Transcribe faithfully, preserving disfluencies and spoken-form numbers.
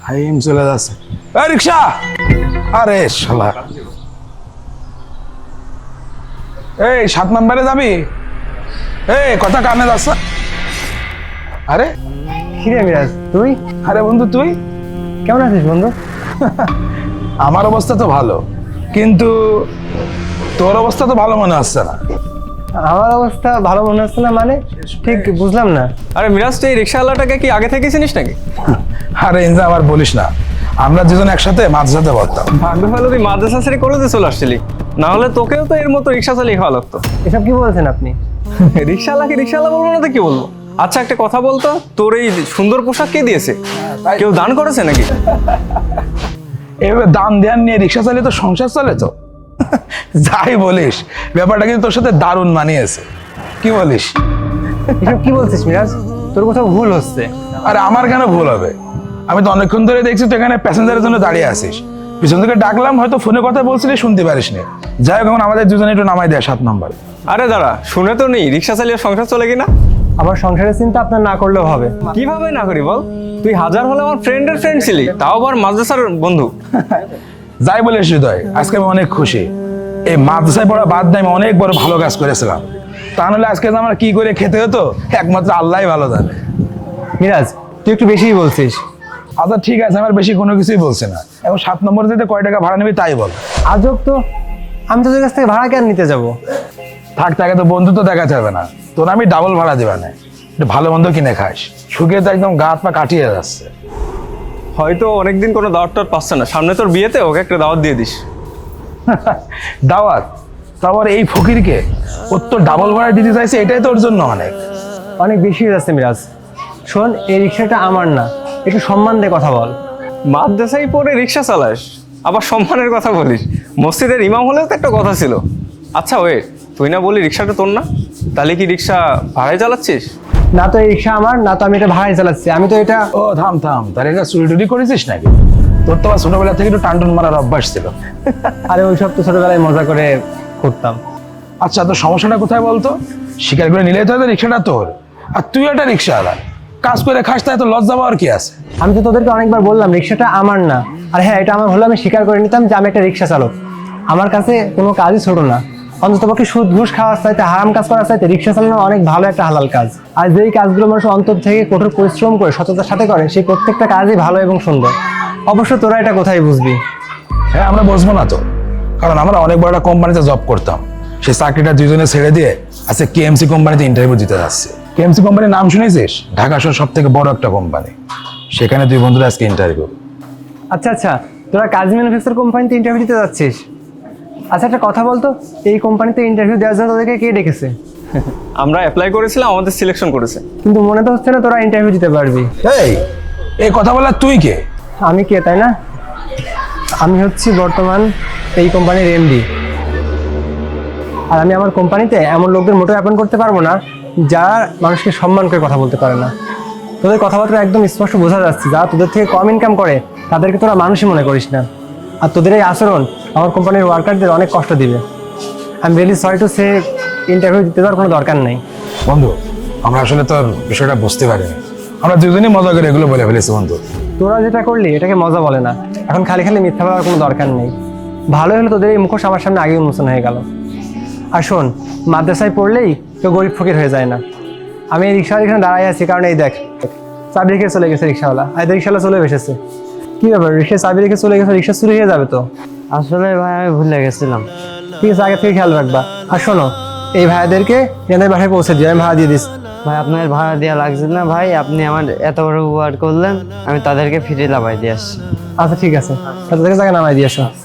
Time চলে যাচ্ছে। এই রিক্সা, আরে শালা, এই সাত নম্বরে যাবি? এই কথা কানে যাচ্ছে। আরে কিরে মিরাজ তুই? আরে বন্ধু তুই কেমন আছিস বন্ধু? আমার অবস্থা তো ভালো, কিন্তু তোর অবস্থা তো ভালো মনে হচ্ছে না। আমার অবস্থা ভালো মনে হচ্ছে না মানে? ঠিক বুঝলাম না। আরে মিরাজ, তুই এই রিক্সাওয়ালাটাকে কি আগে থেকে চিনিস নাকি? আরে ইনজা আবার বলিস না, আমরা দুজন একসাথে মাঝরাতে পড়তাম। ভাগ্য ভালো তুই মাদ্রাসা ছেড়ে কলেজে চলে আসছিলি, না হলে তোকেও তো এর মতো রিক্সা চালিয়ে খাওয়া লাগতো। এসব কি বলছেন আপনি? রিক্সাওয়ালাকে রিক্সাওয়ালা বলবো না তো কি বলবো? আচ্ছা একটা কথা বলতো, তোর এই সুন্দর পোশাক কে দিয়েছে? কেউ দান করেছে নাকি? এভাবে দান দেয়ান নিয়ে রিক্সা চালিয়ে তো সংসার চলে তো। যাই বলিস, ব্যাপারটা কিন্তু তোর সাথে দারুণ মানিয়েছে। কি বলিস? এসব কি বলছিস মিরাজ? তোর কোথাও ভুল হচ্ছে। আরে আমার কেন ভুল হবে? আমি তো অনেকক্ষণ ধরে দেখছি তুই এখানে প্যাসেঞ্জারের জন্য দাঁড়িয়ে আছিস। পিছন থেকে ডাকলাম, হয়তো ফোনে কথা বলছিলি, শুনতে পারিস নি। যাই হোক, এখন আমাদের দুজনে একটু নামাই দেয় সাত নম্বর। আরে দাঁড়া, শুনে তো নেই রিক্সা চালিয়ে সংসার চলে কিনা। আবার সংসারের চিন্তা আপনার না করলেও হবে। কিভাবে না করি বল? তুই হাজার হলে আমার ফ্রেন্ডের ফ্রেন্ড ছিলি, তাও আবার মাদ্রাসার বন্ধু। যাই বলিস হৃদয়, আজকে আমি অনেক খুশি। এই মাদ্রাসায় পড়া বাদ দিয়ে আমি অনেক বড় ভালো কাজ করেছিলাম। তা নাহলে আজকে যে আমার কি করে খেতে হতো একমাত্র আল্লাহই ভালো জানে। মিরাজ তুই একটু বেশিই বলছিস। আচ্ছা ঠিক আছে, আমার বেশি কোনো কিছুই বলছি না। এখন সাত নম্বরে যেতে কয় টাকা ভাড়া নিবি তাই বল। আজব তো, আমি তোদের কাছ থেকে ভাড়া কেন নিতে যাব? থাক, তাকে তো বন্ধু তো দেখা যাবে না, তোর আমি ডাবল ভাড়া দিবা না। একটু ভালো মন্দ কিনে খাস, শুকিয়ে তো একদম গা হাত পা কাটিয়ে যাচ্ছে। হয়তো অনেকদিন কোনো দাওয়াত টাওয়াত পাচ্ছে না, সামনে তোর বিয়েতে ওকে একটা দাওয়াত দিয়ে দিস। দাওয়াত? তারপর এই ফকিরকে ওর তো ডাবল ভাড়া দিতে চাইছে, এটাই তোর জন্য অনেক। অনেক বেশি হয়ে যাচ্ছে মিরাজ। শোন, এই রিক্সাটা আমার না, একটু সম্মান দিয়ে কথা বল। মাদ্রাসায় পড়ে রিক্সা চালাস, আবার সম্মানের কথা বলিস? মসজিদের ইমাম হলেও তো একটা কথা ছিল। আচ্ছা ওয়ে, তুই না বলি রিক্সাটা তোর না, তাহলে কি রিক্সা ভাড়ায় চালাচ্ছিস? না তো এই রিক্সা আমার, না তো আমি এটা ভাড়ায় চালাচ্ছি। আমি তো এটা ও থাম থাম, তার এটা চুরি টুরি করেছিস নাকি? তোর তো আবার ছোটবেলা থেকে একটু টানটুন মারার অভ্যাস ছিল। আরে ওইসব তো ছোটবেলায় মজা করে করতাম। আচ্ছা, তোর সমস্যাটা কোথায় বলতো? স্বীকার করে নিলেই তো হয়তো রিক্সাটা তোর, আর তুই একটা রিক্সাওয়ালা, কাজ করে খাস, তাই তো লজ্জা পাওয়ার কি আছে? আমি তো তোদেরকে অনেকবার বললাম রিক্সাটা আমার না। আর হ্যাঁ, এটা আমার হলে আমি স্বীকার করে নিতাম যে আমি একটা রিক্সা চালক। আমার কাছে কোনো কাজই ছোট না। অন্ততপক্ষে সুদ ঘুষ খাওয়ার চাইতে, হারাম কাজ করার চাইতে রিক্সা চালানো অনেক ভালো একটা হালাল কাজ। আর যেই কাজগুলো মানুষ অন্তর থেকে কঠোর পরিশ্রম করে সততার সাথে করে, সেই প্রত্যেকটা কাজই ভালো এবং সুন্দর। অবশ্য তোরা এটা কোথায় বুঝবি? হ্যাঁ, আমরা বসবো না তো, কারণ আমরা অনেক বড় একটা কোম্পানিতে জব করতাম। সেই চাকরিটা দুজনে ছেড়ে দিয়ে আজকে কেএমসি কোম্পানিতে ইন্টারভিউ দিতে যাচ্ছে। কেএমসি কোম্পানির নাম শুনেছিস? ঢাকা শহর সব থেকে বড় একটা কোম্পানি, সেখানে দুই বন্ধুরা আজকে ইন্টারভিউ। আচ্ছা আচ্ছা, তোরা কাজ ম্যানুফ্যাকচার কোম্পানিতে ইন্টারভিউ দিতে যাচ্ছিস? আচ্ছা একটা কথা বলতো, এই কোম্পানিতে ইন্টারভিউ দেওয়ার জন্য তোদেরকে কে ডেকেছে? আমরা অ্যাপ্লাই করেছিলাম, আমাদের সিলেকশন করেছে। কিন্তু মনে তো হচ্ছে না তোরা ইন্টারভিউ দিতে পারবি। এই এই কথা বলার তুই কে? আমি কে তাই না? আমি হচ্ছি বর্তমান এই কোম্পানির এমডি। আর আমি আমার কোম্পানিতে এমন লোকদের মোটেও অ্যাপয়েন্ট করতে পারবো না যারা মানুষকে সম্মান করে কথা বলতে পারে না। তোদের কথাবার্তা একদম স্পষ্ট বোঝা যাচ্ছে, যারা তোদের থেকে কম ইনকাম করে তাদেরকে তোরা মানুষই মনে করিস না। আর তোদের এই আচরণ আমার কোম্পানির ওয়ার্কারদের অনেক কষ্ট দিবে। I am really sorry to say, interview দিতে দেওয়ার কোনো দরকার নেই। বন্ধু, আমরা আসলে তোর বিষয়টা বুঝতে পারিনি, আমরা দুজনেই মজা করে এগুলো বলে ফেলেছি বন্ধু। তোরা যেটা করলি এটাকে মজা বলে না। এখন খালি খালি মিথ্যা বলার কোনো দরকার নেই। ভালো হলো তোদের এই মুখোশ আমার সামনে আগেই উন্মোচন হয়ে গেল। আর শোন, মাদ্রাসায় পড়লেই কেউ গরিব ফকির হয়ে যায় না। আমি এই রিক্সাওয়ালা এখানে দাঁড়াই আছি কারণ এই দেখ, চাবি রেখে চলে গেছে রিক্সাওয়ালা। আর রিক্সাওয়ালা চলে এসেছে। কি ব্যাপার, রিক্সা চাবি রেখে চলে গেছে, রিক্সা চুরি হয়ে যাবে তো? আসলে ভাই আমি ভুলে গেছিলাম। ঠিক আছে, আগে থেকে খেয়াল রাখবা। আর শোনো, এই ভাইয়াদেরকে এদের বাসায় পৌঁছে দিও, আমি ভাড়া দিয়ে দিস। ভাই আপনার ভাড়া দেওয়া লাগছে না ভাই, আপনি আমার এত বড় উপকার করলেন, আমি তাদেরকে ফিরে লাভাই দিয়ে আসছি। আচ্ছা ঠিক আছে, তাদেরকে জায়গায় নামাই দিয়ে আসো।